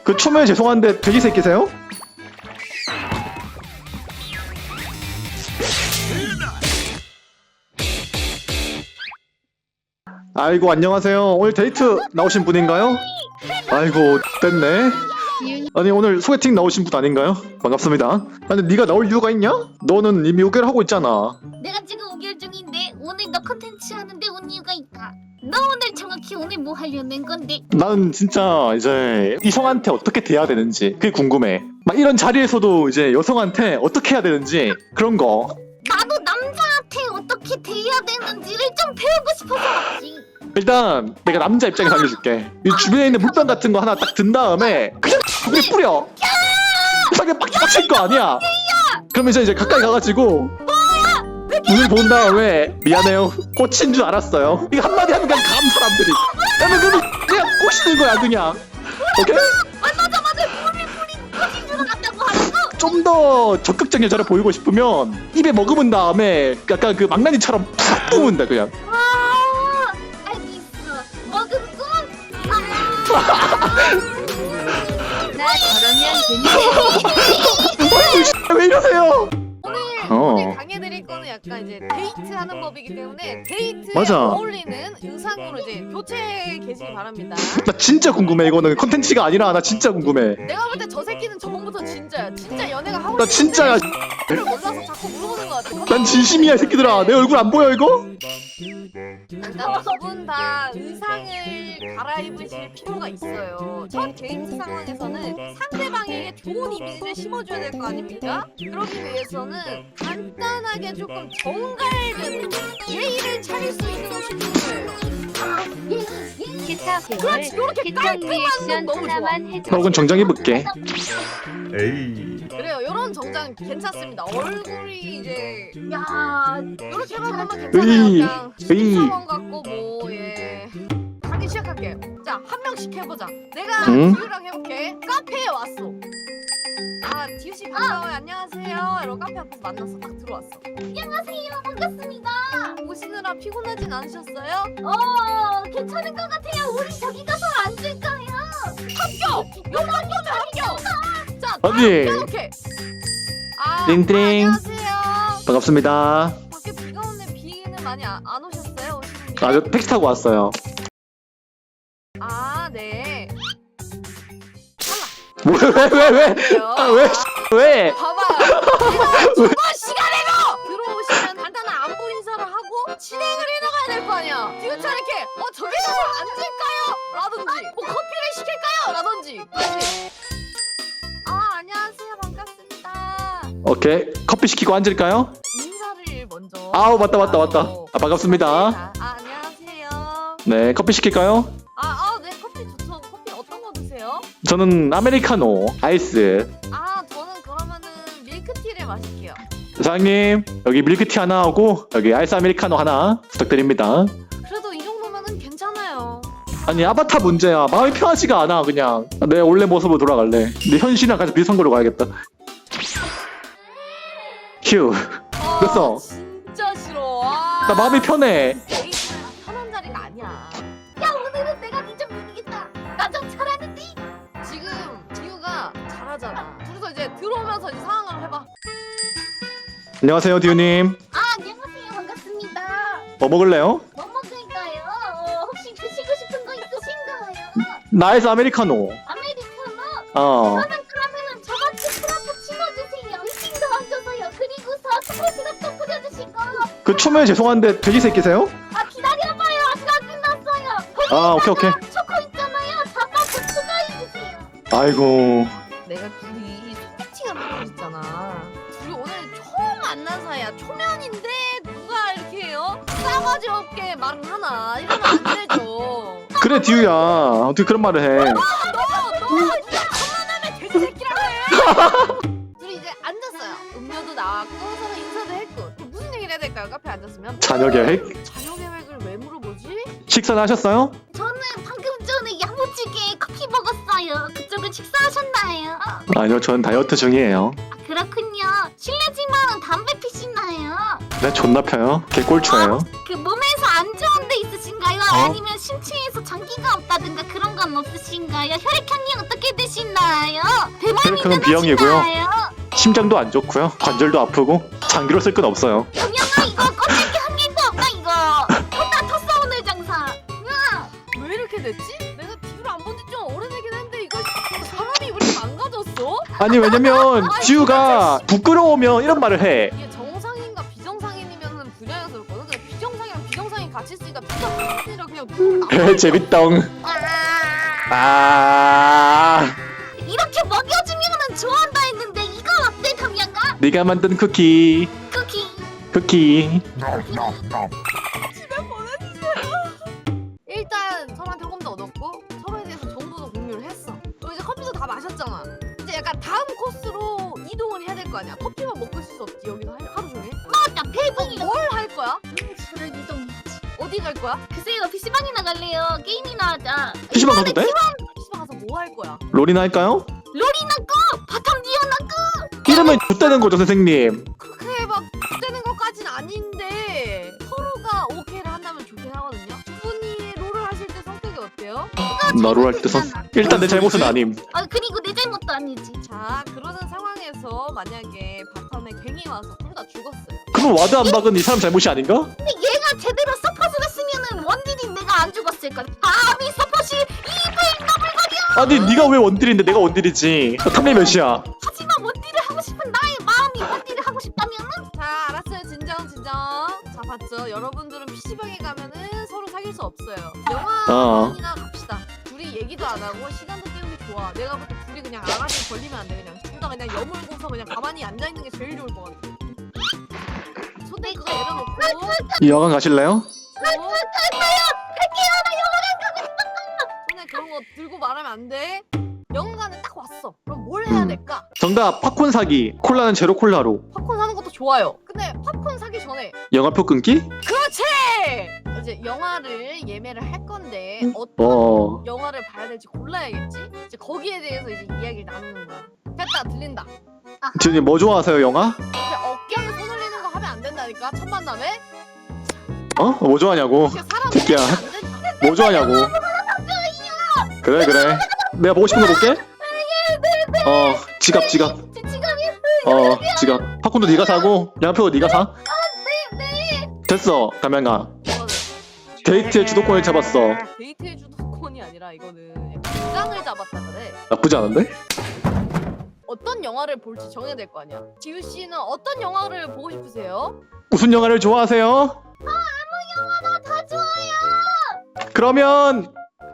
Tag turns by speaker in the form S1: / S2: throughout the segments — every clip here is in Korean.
S1: 그 초면에 죄송한데 돼지 새끼세요? 아이고 안녕하세요. 오늘 데이트 나오신 분인가요? 아이고 됐네. 아니 오늘 소개팅 나오신 분 아닌가요? 반갑습니다. 아니 네가 나올 이유가 있냐? 너는 이미 5개월 하고 있잖아.
S2: 내가 지금 5개월 중인데 오늘 너 컨텐츠 하는데 온 이유가 있다. 너 오늘 정확히 오늘 뭐 하려는 건데?
S1: 나는 진짜 이제 이성한테 어떻게 대해야 되는지 그게 궁금해. 막 이런 자리에서도 이제 여성한테 어떻게 해야 되는지 그런 거.
S2: 나도 남자한테 어떻게 대해야 되는지를 좀 배우고 싶어서 왔지.
S1: 일단 내가 남자 입장에서 알려줄게. 이 주변에 있는 물병 같은 거 하나 딱 든 다음에 그냥 물에 뿌려. 이상하게 빡칠 거 아니야. 그러면 이제 가까이 가가지고 눈을 본 다음에 미안해요 꽂힌 줄 알았어요. 이거 한마디 하면 그냥 감 사람들이. 그냥 꼬시는 거야 그냥. 오케이?
S2: 맞아 뿌리 꽂힌 줄 알았다고 하고.
S1: 좀 더 적극적인 여자를 보이고 싶으면 입에 머금은 다음에 약간 그 망나니처럼 푹 뿜은다 그냥.
S2: 아 알겠어. 먹음꾼.
S3: 나 저러면 재밌어.
S1: 왜 이러세요?
S4: 오늘 강해드릴 거는 약간 이제 데이트하는 법이기 때문에 데이트에
S1: 맞아.
S4: 어울리는 의상으로 이제 교체해 계시기 바랍니다.
S1: 나 진짜 궁금해. 이거는 컨텐츠가 아니라 나 진짜 궁금해.
S4: 내가 볼 때 저 새끼는 저번부터 진짜야. 진짜 연애가 하고
S1: 나 진짜야.
S4: 싶은데 몰라서 자꾸 물어보는 것 같아.
S1: 난 진심이야 이 새끼들아. 내 얼굴 안 보여 이거?
S4: 일단 두 분 다 의상을 갈아입으실 필요가 있어요. 첫 데이트 상황에서는 상대방에게 좋은 이미지를 심어줘야 될 거 아닙니까? 그러기 위해서는 간단하게 조금 정갈된 예의를 차릴 수 있는 옷이 필요해요.
S3: 기타 배울
S4: 그렇지, 요렇게
S3: 기타
S4: 깔끔한
S3: 리액션
S4: 건 너무 좋아.
S3: 하나만 해줘.
S1: 혹은 정장 입을게.
S5: 에이.
S4: 그래요, 요런 정장 괜찮습니다. 얼굴이 이제
S2: 야
S4: 요렇게 하면 괜찮아요.
S1: 으이,
S4: 그냥
S1: 으이.
S4: 신입사원 같고 뭐 예. 강의 시작할게. 자, 한 명씩 해보자. 내가
S1: 응?
S4: 디유랑 해볼게. 카페에 왔어. 아, 디유 씨 반가워요. 안녕하세요. 이러고 카페 앞에서 만났어. 딱 들어왔어.
S2: 안녕하세요. 반갑습니다.
S4: 오시느라 피곤하진 않으셨어요?
S2: 괜찮은 것 같아요. 우리 저기 가서 앉을까요?
S4: 합격! 요거 합격이면 합격! 자,
S1: 언니.
S4: 이렇게. 아,
S1: 띵띵.
S4: 안녕하세요.
S1: 반갑습니다.
S4: 밖에 비가 오는데 비는 많이 안 오셨어요? 오시는 게?
S1: 아 저 택시 타고 왔어요.
S4: 아, 네.
S1: 왜?
S4: 그래요.
S1: 아 왜? 왜?
S4: 봐봐요. 제가 주거 시간에도 들어오시면 간단한 안부 인사를 하고 진행을 해나가야 될 거 아니야. 지금처럼 이렇게 저기 가서 앉을까요? 라든지 커피를 시킬까요? 라든지. 그렇지. 아, 안녕하세요. 반갑습니다.
S1: 오케이 커피 시키고 앉을까요?
S4: 인사를 먼저.
S1: 아우 맞다. 아 반갑습니다.
S4: 아, 안녕하세요.
S1: 네 커피 시킬까요?
S4: 네, 커피 좋죠. 커피 어떤 거 드세요?
S1: 저는 아메리카노 아이스.
S4: 아, 저는 그러면은 밀크티를 마실게요.
S1: 사장님 여기 밀크티 하나 하고 여기 아이스 아메리카노 하나 부탁드립니다.
S4: 그래도 이 정도면은 괜찮아요.
S1: 아니 아바타 문제야. 마음이 편하지가 않아 그냥. 내 원래 모습으로 돌아갈래. 내 현실이랑 같이 비슷한 걸로 가야겠다. 휴. 됐어.
S4: 진짜 싫어. 와.
S1: 나 마음이 편해.
S4: 데이트는 편한 자리가 아니야.
S2: 야 오늘은 내가 니 좀 이기겠다. 나 좀 잘하는데.
S4: 지금 디유가 잘하잖아. 둘이서 이제 들어오면서 이제 상황을 해봐.
S1: 안녕하세요 디우님.
S2: 안녕하세요. 반갑습니다.
S1: 뭐 먹을래요?
S2: 뭐 먹을까요? 혹시 드시고 싶은 거 있으신가요?
S1: 나 아이스 아메리카노.
S2: 아메리카노? 저는 그러면은 저같이 프라푸치노 주세요. 휘핑도 얹어서요. 그리고서 초코 시럽도 뿌려주시고.
S1: 그 초면에 죄송한데 돼지 새끼세요?
S2: 기다려봐요. 아직 안 끝났어요.
S1: 아 오케이.
S2: 초코 있잖아요. 자빠꾸 추가해주세요.
S1: 아이고.
S4: 내가 둘이 소개팅을 하고 있잖아. 둘이 오늘 처음 만난 사이야. 초면인데 누가 이렇게 해요? 싸가지 없게 말을 하나. 이러면 안 되죠.
S1: 그래 디우야 어떻게 그런 말을 해.
S4: 너 누가 장난하면 돼지 새끼라고 해. 둘이 이제 앉았어요. 음료도 나왔고 서로 인사도 했고. 또 무슨 얘기를 해야 될까요? 카페에 앉았으면.
S1: 자녀 계획?
S4: 자녀 계획을 왜 물어보지?
S1: 식사는 하셨어요?
S2: 저는 방금 전에 야무지게 커피 먹었어요. 그쪽은 식사하셨나요?
S1: 아니요 전 다이어트 중이에요.
S2: 그렇군요. 실례지만 담배 피시나요?
S1: 네 존나 펴요. 개꼴초예요.
S2: 그 몸에서 안 좋은 데 있으신가요?
S1: 어?
S2: 아니면 신체에서 장기가 없다 있다든가 그런 건 없으신가요? 혈액형이 어떻게 되시나요?
S1: 혈액형은 B형이고요. 심장도 안 좋고요. 관절도 아프고 장기로 쓸 건 없어요.
S2: 영영아 이거 껍데기 한 개도 없다 이거. 혼자 텄어 오늘 장사. 야,
S4: 왜 이렇게 됐지? 내가 TV를 안 본 지 좀 오래되긴 했는데 이거 사람이 왜 이렇게 망가졌어?
S1: 아니 왜냐면 지우가 부끄러우면 이런 말을 해.
S4: 이게 정상인과 비정상인이면은 분야에서 그렇거든. 근데 비정상이랑 비정상인 같이 있으니까 비정상인이라 그냥
S1: 재밌덩. 아,
S2: 이렇게 먹여주면은 좋아한다 했는데 이거 어때 담양아?
S1: 네가 만든 쿠키.
S2: 쿠키.
S4: 집에 보내주세요. 일단 서로한테 호감도 얻었고 서로에 대해서 정보도 공유를 했어. 그리고 이제 커피도 다 마셨잖아. 이제 약간 다음 코스로 이동을 해야 될 거 아니야. 커피만 먹고 있을 수 없지 여기서 하루 종일.
S2: 나 배분이
S4: 뭘 할 거야?
S2: 저를 이동해야지.
S4: 어디 갈 거야?
S2: 글쎄요 PC방이나 갈래요. 게임이나 하자.
S1: PC방 가도 돼?
S4: PC방 가서 뭐 할 거야?
S1: 롤이나 할까요?
S2: 롤이나 꺼! 바텀 니어나 꺼!
S1: 이러면 X되는 거죠 선생님.
S4: 그렇게 막 되는 것까진 아닌데 서로가 오케이를 한다면 좋긴 하거든요. 두 분이 롤을 하실 때 성격이 어때요?
S1: 나로 할 때 일단 내 잘못은 아님.
S2: 아 그리고 내 잘못도 아니지.
S4: 자 그러는 상황에서 만약에 바텀에 갱이 와서 둘 다 죽었어요.
S1: 그럼 와드 안 박은 이 사람 잘못이 아닌가?
S2: 근데 얘가 제대로 서폿을 했으면은 원딜이 내가 안 죽었을 거야. 아미 서폿이 입을 너블거려.
S1: 아니 네가 왜 원딜인데 내가 원딜이지? 탐내 몇이야?
S2: 하지만 원딜을 하고 싶은 나의 마음이 원딜을 하고 싶다면은
S4: 자 알았어요 진정. 자 봤죠? 여러분들은 PC방에 가면은 서로 사귈 수 없어요. 영화관이나 갑시다. 둘이 얘기도 안 하고 시간도 때우기 좋아. 내가 볼 때 둘이 그냥 아가리 걸리면 안 돼. 그냥 둘 다 그냥 여물고서 그냥 가만히 앉아있는 게 제일 좋을 것 같아. 손대 그거 내려놓고
S1: 이 여관 가실래요?
S4: 손에 그런 거 들고 말하면 안 돼. 영화관에 딱 왔어. 그럼 뭘 해야 될까?
S1: 정답 팝콘 사기. 콜라는 제로 콜라로.
S4: 팝콘 사는 것도 좋아요. 근데 팝콘 사기 전에
S1: 영화표 끊기?
S4: 그렇지! 이제 영화를 예매를 할 건데 어떤 영화를 봐야 될지 골라야겠지? 이제 거기에 대해서 이제 이야기를 나누는 거야. 됐다 들린다.
S1: 지훈님 뭐 좋아하세요 영화?
S4: 이제 어깨에 손 올리는 거 하면 안 된다니까 첫 만남에.
S1: 어? 뭐 좋아하냐고.
S4: 이게 사람
S1: 새끼야.
S4: 올리면 안 된다.
S1: 뭐 좋아하냐고. 그래. 내가 보고 싶은 거 볼게. 지갑.
S2: 지갑이
S1: 지갑. 팝콘도 네가 사고 영화표 네가 사. 됐어 담양아. 데이트의 주도권을 잡았어.
S4: 데이트의 주도권이 아니라 이거는 부장을 잡았다 그래.
S1: 나쁘지 않은데?
S4: 어떤 영화를 볼지 정해야 될 거 아니야. 지우 씨는 어떤 영화를 보고 싶으세요?
S1: 무슨 영화를 좋아하세요?
S2: 영화나 다 좋아요.
S1: 그러면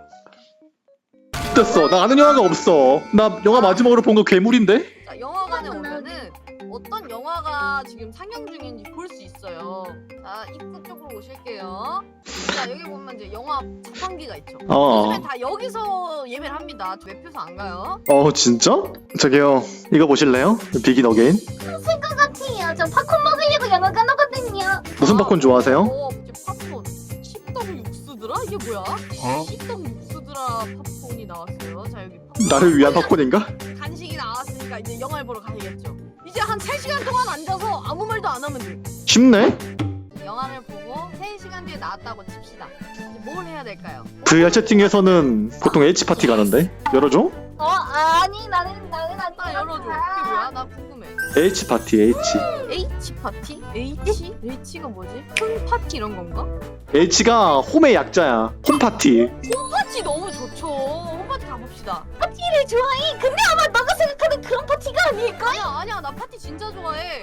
S1: 됐어. 나 아는 영화가 없어. 나 영화 마지막으로 본 거 괴물인데?
S4: 자, 영화관에 오면은 어떤 영화가 지금 상영 중인지 볼 수 있어요. 자, 입구 쪽으로 오실게요. 자, 여기 보면 이제 영화 자판기가 있죠. 요즘엔 다 여기서 예매를 합니다. 매표소 안 가요.
S1: 진짜? 저기요 이거 보실래요? 비긴 어게인.
S2: 생것 같아요. 저 팝콘 먹으려고 영화관 오거든요.
S1: 무슨 팝콘 좋아하세요?
S4: 이제 팝콘. 씹덕 육수드라? 이게 뭐야? 씹덕 육수드라 팝콘이 나왔어요. 자, 여기 팝콘.
S1: 나를 위한 팝콘인가?
S4: 간식이 나왔으니까 이제 영화를 보러 가야겠죠. 이제 한 3시간 동안 앉아서 아무 말도 안 하면 돼.
S1: 쉽네?
S4: 영화를 보고 3시간 뒤에 나왔다고 칩시다. 이제 뭘 해야 될까요?
S1: VR 채팅에서는 보통 H파티 가는데? 열어줘?
S2: 아니 나는 안
S4: 나 열어줘. 그게 뭐야? 나 궁금해.
S1: H파티 H.
S4: H파티? H가 뭐지? 홈파티 이런 건가?
S1: H가 홈의 약자야. 홈파티.
S4: 홈파티 너무 좋죠. 홈파티 가봅시다.
S2: 파티를 좋아해. 근데 아마 너가 생각하는 그런 파티가 아닐까?
S4: 아니야 나 파티 진짜 좋아해.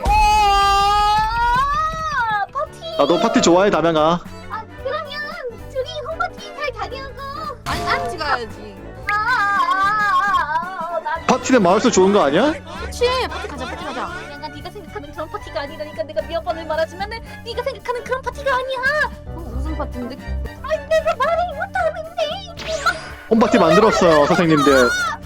S2: 파티.
S1: 나도 파티 좋아해 담양아.
S2: 그러면 둘이 홈파티 잘 다녀오고.
S4: 아니 파티 가야지.
S1: 파티는 마을수 좋은 거 아니야?
S4: 그렇지. 파티 가자.
S2: 내가 네가 생각하는 그런 파티가 아니라니까. 내가 몇 번을 말하지만은 네가 생각하는 그런 파티가 아니야.
S4: 무슨 파티인데?
S2: 내가 말을 못하는데.
S1: 홈파티 만들었어요 선생님들.